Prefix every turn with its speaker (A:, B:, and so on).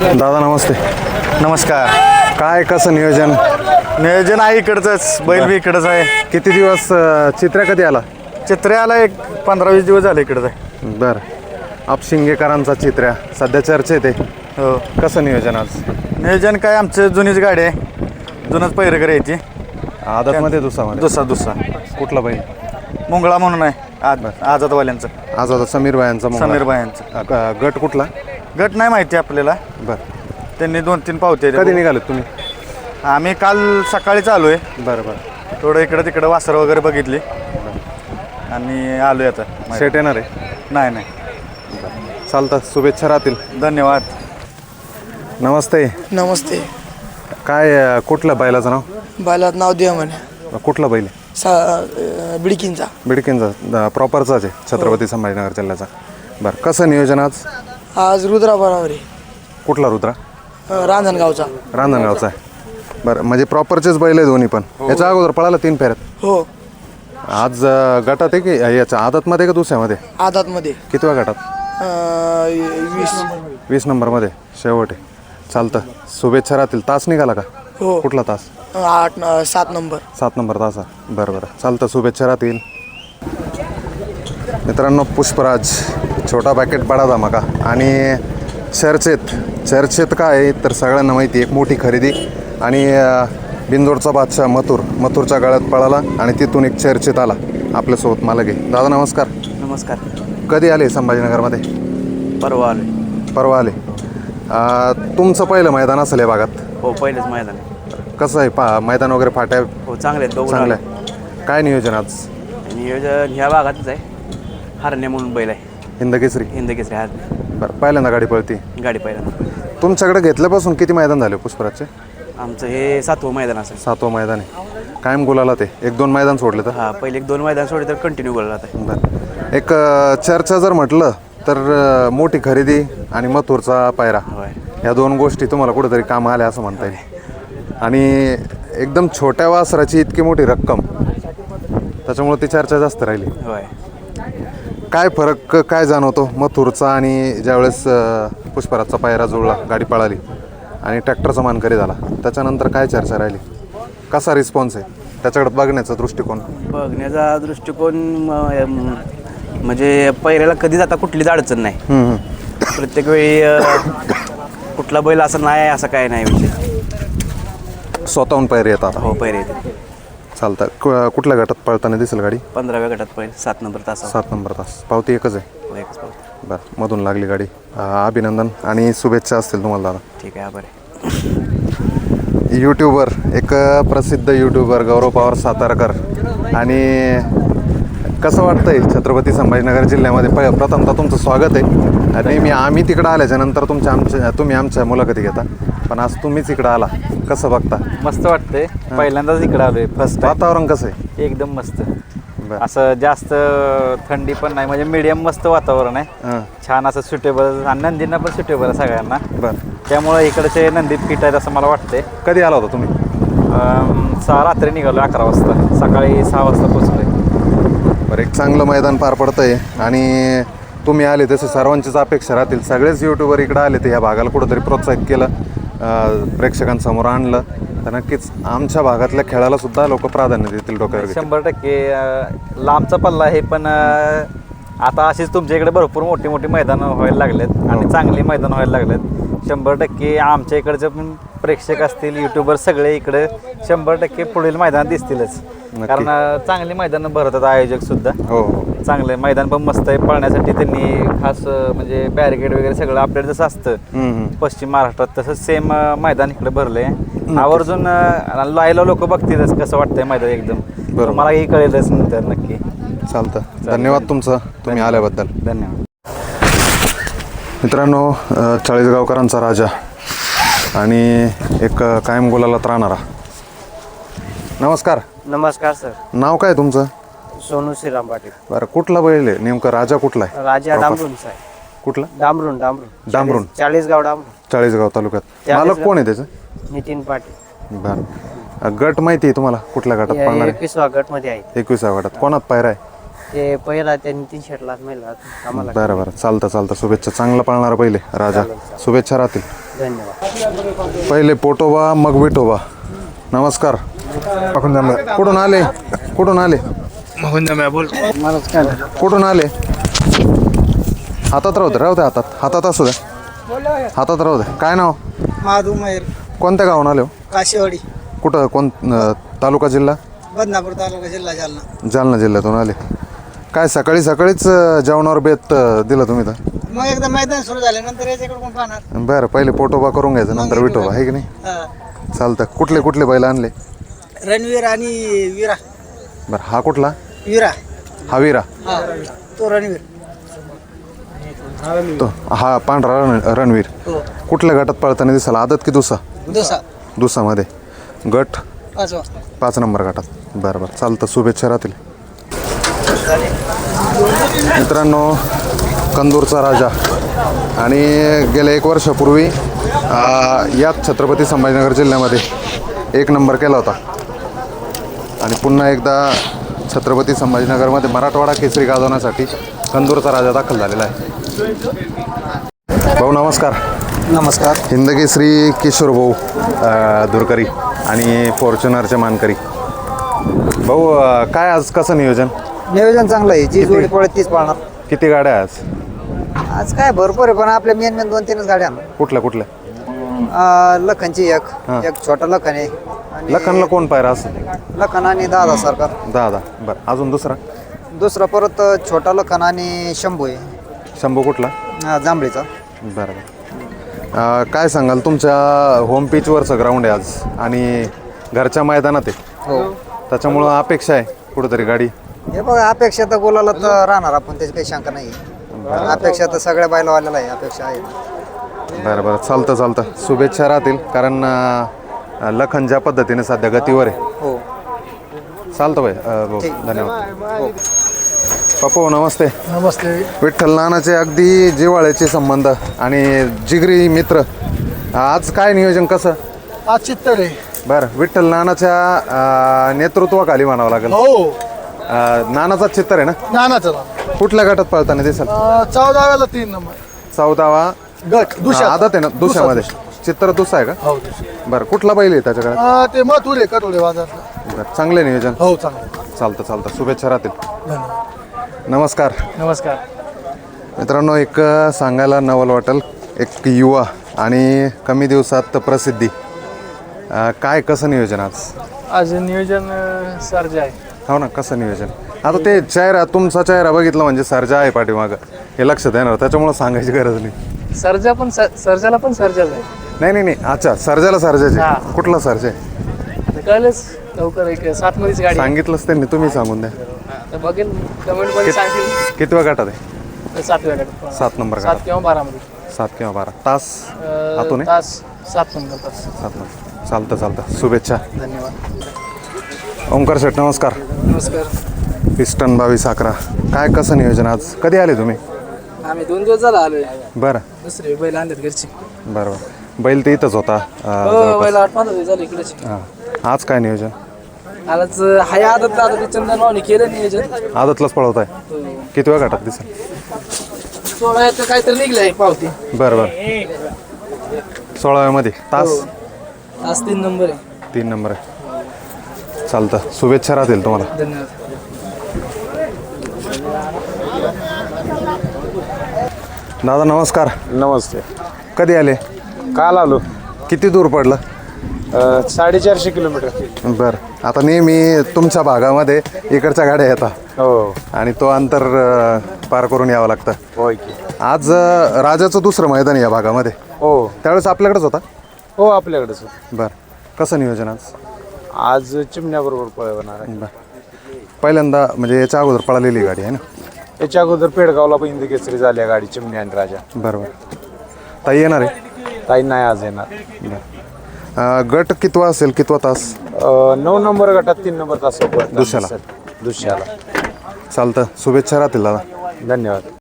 A: दादा नमस्ते.
B: नमस्कार.
A: काय कसं
B: नियोजन आहे इकडचंच, बैल बी इकडंच आहे.
A: किती दिवस चित्र्या कधी आला?
B: चित्र्याला एक 15-20 दिवस झाले इकडंच आहे.
A: बरं. अपशिंगेकरांचा चित्र्या सध्या चर्चेत आहे.
B: हो.
A: कसं नियोजन आज?
B: नियोजन काय आमचं जुनीच गाडी आहे, जुनच पैरकर यायची.
A: आदतमध्ये दुसरा
B: दुसरा
A: कुठला बैल?
B: मुंगळा म्हणून आहे आझादवाल्यांचं.
A: आज आता समीर भायांचा
B: समीर भायांचं.
A: गट कुठला?
B: गट नाही माहिती आपल्याला.
A: बरं.
B: त्यांनी 2-3 पावते.
A: कधी निघालेत तुम्ही?
B: आम्ही काल सकाळी चालू आहे.
A: बरं.
B: थोडं इकडं तिकडं वासर वगैरे बघितली आणि आलोय आता.
A: सेट येणार आहे?
B: नाही.
A: चालतं, शुभेच्छा राहतील.
B: धन्यवाद.
A: नमस्ते.
C: नमस्ते.
A: काय कुठलं बैलाचं नाव?
C: बैलात नाव द्या म्हणे.
A: कुठला बैल?
C: बिडकींचा.
A: बिडकींचा प्रॉपरचाच आहे, छत्रपती संभाजीनगर जिल्ह्याचा. बरं. कसं नियोजन
C: आज रुद्रा बरोबर आहे.
A: कुठला रुद्रा?
C: रांजणगावचा.
A: रांजणगावचा आहे. बरं, म्हणजे प्रॉपरचेच बैल आहे दोन्ही पण. याच्या अगोदर पळाला 3 फेऱ्यात.
C: हो.
A: आज गटात आहे की याच्या आदतमध्ये का दुसऱ्यामध्ये?
C: आदातमध्ये.
A: कितव्या गटात? 20 नंबरमध्ये शेवट आहे. चालतं, शुभेच्छा राहतील. तास निघाला का?
C: हो.
A: कुठला तास?
C: 7 नंबर.
A: 7 नंबर तास आहे. बरं. चालतं, शुभेच्छा राहतील. मित्रांनो, पुष्पराज छोटा पॅकेट बडा धमाका आणि चर्चेत काय आहे तर सगळ्यांना माहिती आहे, एक मोठी खरेदी आणि बिंदोडचा बादशाह मथुरच्या गळ्यात पळाला आणि तिथून एक चर्चेत आला आपल्यासोबत. मला घे दादा. नमस्कार.
D: नमस्कार.
A: कधी आले संभाजीनगरमध्ये?
D: परवा आले.
A: तुमचं पहिलं मैदान असेल या भागात?
D: हो, पहिलेच मैदान.
A: कसं आहे मैदान वगैरे फाट्या?
D: हो, चांगले आहेत.
A: चांगलं आहे. काय नियोजन आज?
D: नियोजन ह्या भागातच आहे. हरणे म्हणून बैल आहे,
A: हिंदकेसरी.
D: हरणे.
A: बरं. पहिल्यांदा गाडी पळती?
D: गाडी पहिल्यांदा.
A: तुमच्याकडे घेतल्यापासून किती मैदान झाले पुष्पराजचे?
D: आमचं हे 7वं मैदान असेल.
A: 7वं मैदान आहे. कायम गुलाला ते 1-2 मैदान सोडले तर?
D: हां, पहिले 1-2 मैदान सोडले तर कंटिन्यू बोलला जातं.
A: बरं. एक चर्चा जर म्हटलं तर मोठी खरेदी आणि मथुरचा पायरा,
D: होय.
A: या 2 गोष्टी तुम्हाला कुठेतरी काम आल्या असं म्हणता येईल. आणि एकदम छोट्या वासराची इतकी मोठी रक्कम, त्याच्यामुळे ती चर्चा जास्त राहिली.
D: होय.
A: काय फरक काय जाणवतो मथुरचा आणि ज्यावेळेस पुष्पराजचा पायरा जुळला, गाडी पळाली आणि ट्रॅक्टरचा मानकरी झाला, त्याच्यानंतर काय चर्चा राहिली? कसा रिस्पॉन्स आहे त्याच्याकडे बघण्याचा दृष्टिकोन?
D: बघण्याचा दृष्टिकोन म्हणजे पहिल्याला कधी जाता कुठलीच अडचण नाही. प्रत्येक वेळी कुठला बैल असं नाही असं काय नाही विषय.
A: स्वतःहून पायरी येतात?
D: हो, पैरे येते.
A: चालतं. कुठल्या गटात पळताना दिसेल गाडी?
D: 15व्या गटात पहिले 7 नंबर तास.
A: 7 नंबर तास. पावती एकच आहे?
D: हो, एकच पावती.
A: बरं. मधून लागली गाडी. अभिनंदन आणि शुभेच्छा असतील तुम्हाला दादा.
D: ठीक आहे, आभार आहे.
A: यूट्यूबर, एक प्रसिद्ध यूट्यूबर गौरव पवार सातारकर. आणि कसं वाटतंय छत्रपती संभाजीनगर जिल्ह्यामध्ये? प्रथमतः तुमचं स्वागत आहे. आणि आम्ही तिकडं आल्याच्या नंतर तुम्ही आमच्या मुलाखती घेता, पण आज तुम्हीच इकडं आला. कसं बघता?
E: मस्त वाटतंय. पहिल्यांदाच इकडं आलोय. फर्स्ट
A: वातावरण कसं आहे?
E: एकदम मस्त. असं जास्त थंडी पण नाही, म्हणजे मीडियम मस्त वातावरण आहे. छान असं सुटेबल, आणि नंदींना पण सुटेबल आहे सगळ्यांना.
A: बरं.
E: त्यामुळे इकडचे नंदीत फिट आहेत असं मला वाटतंय.
A: कधी आला होता तुम्ही?
E: रात्री निघालो 11 वाजता. सकाळी 6 वाजता पोचलोय.
A: बरं. एक चांगलं मैदान पार पडतंय आणि तुम्ही आले तसे सर्वांचीच अपेक्षा राहतील. सगळेच यूट्यूबर इकडं आले ते ह्या भागाला कुठंतरी प्रोत्साहित केलं, प्रेक्षकांसमोर आणलं, तर नक्कीच आमच्या भागातल्या खेळाला सुद्धा लोक प्राधान्य देतील डोक्यावर.
E: 100% लांबचा पल्ला आहे, पण आता अशीच तुमच्या इकडे भरपूर मोठी मैदानं व्हायला लागलेत आणि चांगली मैदानं व्हायला लागलेत. 100% आमच्या इकडचे पण प्रेक्षक असतील, युट्यूबर सगळे इकडे 100% पुढील मैदान दिसतीलच. कारण चांगली मैदानं भरतात आयोजक सुद्धा.
A: हो.
E: चांगले मैदान पण मस्त आहे. पळण्यासाठी त्यांनी खास म्हणजे बॅरिकेड वगैरे सगळं अपडेट जसं असतं पश्चिम महाराष्ट्रात, तसंच सेम मैदान इकडे भरलंय. आवर्जून लायला लोक बघतीलच कसं वाटतंय मैदान एकदम.
A: बरोबर.
E: मलाही कळेलच नंतर नक्की.
A: चालतं. धन्यवाद तुमचं, तुम्ही आल्याबद्दल.
E: धन्यवाद.
A: मित्रांनो, चाळीसगावकरांचा राजा आणि एक कायम गुलालात राहणारा. नमस्कार.
F: नमस्कार सर.
A: नाव काय तुमचं?
F: सोनू श्रीराम पाटील.
A: बरं. कुठला बैल आहे नेमकं? राजा कुठला आहे?
F: राजा डांबरूनचा आहे.
A: कुठला?
F: डांबरून.
A: डांबरून.
F: चाळीसगाव डांबरून.
A: चाळीसगाव तालुक्यात. मालक कोण आहे त्याचं?
F: नितीन पाटील.
A: बरं. गट माहिती आहे तुम्हाला? कुठल्या गटात पळणार आहे?
F: 21व्या गट मध्ये आहे.
A: 21व्या गटात. कोणात पायरा आहे?
F: ते पहिला त्या नितीन शेटला आम्हाला.
A: बरं. चालतं. शुभेच्छा. चांगला पळणारा पहिले राजा. शुभेच्छा राहतील.
F: धन्यवाद.
A: पहिले पोटोबा मग विठोबा. नमस्कार. कुठून आले? कुठून आले? कुठून आले? हातात राहू द्या हातात असू द्या, हातात राहू द्या. काय नाव?
C: महादू मयूर
A: कोणत्या गावून आले हो?
C: काशीवाडी
A: कुठं तालुका जिल्हा?
C: बदनापूर तालुका जिल्हा जालना.
A: जालना जिल्ह्यातून आले. काय सकाळीच जेवणावर बेत दिलं तुम्ही तर?
C: मग एकदा मैदान सुरू झाल्यानंतर याच्याकडे कोण पाहणार.
A: बरं, पहिले पोटोबा करून घ्यायचं नंतर विठोबा, आहे की नाही? चालतं. कुठले बैल आणले?
C: रणवीर आणि वीरा.
A: बरं, हा कुठला?
C: वीरा.
A: हा वीरा.
C: हा तो रणवीर.
A: तो हा पांढरा रणवीर. कुठल्या गटात पळताना दिसाला? आदत की दुसा? दुसामध्ये. गट 5 नंबर गटात. बरं, चालतं. शुभेच्छा राहतील. मित्रांनो, कंदूरचा राजा आणि गेल्या 1 वर्षापूर्वी याच छत्रपती संभाजीनगर जिल्ह्यामध्ये 1 नंबर केला होता आणि पुन्हा एकदा छत्रपती संभाजीनगरमध्ये मराठवाडा केसरी गाजवण्यासाठी कंदूरचा राजा दाखल झालेला आहे. भाऊ नमस्कार.
C: नमस्कार.
A: हिंदकेसरी किशोर भाऊ दुरकरी आणि फॉर्च्युनरचे मानकरी. भाऊ, काय आज कसं नियोजन?
C: नियोजन चांगलं आहे. जी जोडी पळत तीच पाळणार.
A: किती गाड्या आज?
C: आज काय भरपूर आहे, पण आपल्या मेन 2-3 गाड्या.
A: कुठल्या?
C: लखनची एक छोटा लखन आहे.
A: लखनला कोण पायरा असं?
C: लखन आणि दादा सरकार.
A: दादा. बरं, अजून दुसरा
C: परत छोटा लखन आणि शंभू आहे.
A: शंभू कुठला?
C: जांभळीचा.
A: बरं. काय सांगाल, तुमच्या होम पिचवरचं ग्राउंड आहे आज आणि घरच्या मैदानात आहे,
C: हो.
A: त्याच्यामुळं अपेक्षा आहे कुठंतरी गाडी?
C: हे बघा, अपेक्षा तर बोलायला तर राहणार आपण, त्याची काही शंका नाही. अपेक्षा तर सगळ्या बैलवाल्याला आहे, अपेक्षा आहे.
A: बरं, चालतं. शुभेच्छा राहतील, कारण लखन ज्या पद्धतीने सध्या गतीवर आहे.
C: हो.
A: चालतं भाई. भाऊ, धन्यवाद. पप्पू नमस्ते.
C: नमस्ते.
A: विठ्ठल नानाचे अगदी जिव्हाळ्याचे संबंध आणि जिगरी मित्र. आज काय नियोजन कसं?
C: आज चित्तर आहे.
A: बरं, विठ्ठल नानाच्या नेतृत्वाखाली म्हणावं लागेल.
C: हो.
A: नानाचा चित्तर आहे ना?
C: नानाचं
A: कुठल्या गटात पळताना दिसेल?
C: 14व्याला 3 नंबर
A: 14वा
C: गट.
A: आदत आहे ना दुसऱ्यामध्ये? चित्र दुसरा आहे का?
C: हो.
A: बरं, कुठला बैल आहे त्याच्याकडे?
C: ते मथुरे कटोळे बाजारला.
A: बरं, चांगले नियोजन.
C: हो, चांगलं.
A: चालतं. शुभेच्छा राहतील.
C: धन्यवाद.
A: नमस्कार. मित्रांनो, एक सांगायला नवल वाटेल, एक युवा आणि कमी दिवसात प्रसिद्धी. काय कसं नियोजन आज
G: नियोजन सर्ज आहे.
A: हो ना, कसं नियोजन? आता ते तुमचा चेहरा बघितला म्हणजे सर्जा आहे पाठीमागं, हे लक्षात येणार, त्याच्यामुळं सांगायची गरज नाही.
G: सर्जाला पण सर्जाच आहे.
A: नाही. अच्छा, सर्जाचे. कुठला सर्जा आहे?
G: कळलंच लवकर. एक 7 मध्येच गाडी
A: सांगितलंच त्यांनी, तुम्ही सांगून द्या.
G: तर बघेल कमेंट मध्ये सांगतील.
A: कितव्या गटात आहे?
G: 7व्या गटात.
A: 7 नंबर
G: 7 किंवा 12 मध्ये.
A: 7 किंवा 12 तास आतून आहे?
G: तास 7 नंबर तास.
A: 7 नंबर. चालतं. शुभेच्छा.
G: धन्यवाद.
A: ओंकार शेठ नमस्कार.
G: नमस्कार.
A: पिस्टन 22-11. काय कसं नियोजन आज? कधी आले तुम्ही?
G: आम्ही 2 दिवस झाला आलोय.
A: बरं.
G: दुसरे बैल आणलेत घरची.
A: बरं. बैल तर इथंच होता.
G: बैल 8-15 दिवस झाले इकडेच.
A: हां. आज काय नियोजन?
G: आज हाय आदत चंदन भावने केलं नियोजन.
A: आदतलाच पळवत आहे. कितव्या गटात दिसेल?
G: 16 काहीतरी निघलंय पावती.
A: बरं. 16व्यामध्ये तास?
G: तास 3 नंबर आहे.
A: 3 नंबर आहे. चालतं. शुभेच्छा राहतील तुम्हाला.
G: धन्यवाद.
A: दादा नमस्कार.
B: नमस्ते.
A: कधी आले?
B: काल आलो.
A: किती दूर पडलं?
B: 450 किलोमीटर.
A: बरं. आता नेहमी तुमच्या भागामध्ये इकडच्या गाड्या येतात
B: हो.
A: आणि तो अंतर पार करून यावं लागतं.
B: होय की.
A: आज राजाचं दुसरं मैदान या भागामध्ये.
B: हो.
A: त्यावेळेस आपल्याकडेच होता?
B: हो, आपल्याकडेच.
A: बरं. कसं नियोजन
B: आज चिमण्याबरोबर पळवणार आहे.
A: बरं. पहिल्यांदा म्हणजे याच्या अगोदर पळालेली गाडी आहे ना?
B: याच्या अगोदर पेडगावला पण हिंदी केसरी झाली गाडी चिमणी आणि राजा.
A: बरोबर. ताई येणार आहे?
B: ताई नाही आज येणार.
A: बरं. गट कितवा असेल, कितवा तास?
B: 9 नंबर गटात 3 नंबर तास
A: दुसऱ्याला.
B: दुसऱ्याला.
A: चालतं. शुभेच्छा राहतील दादा.
B: धन्यवाद.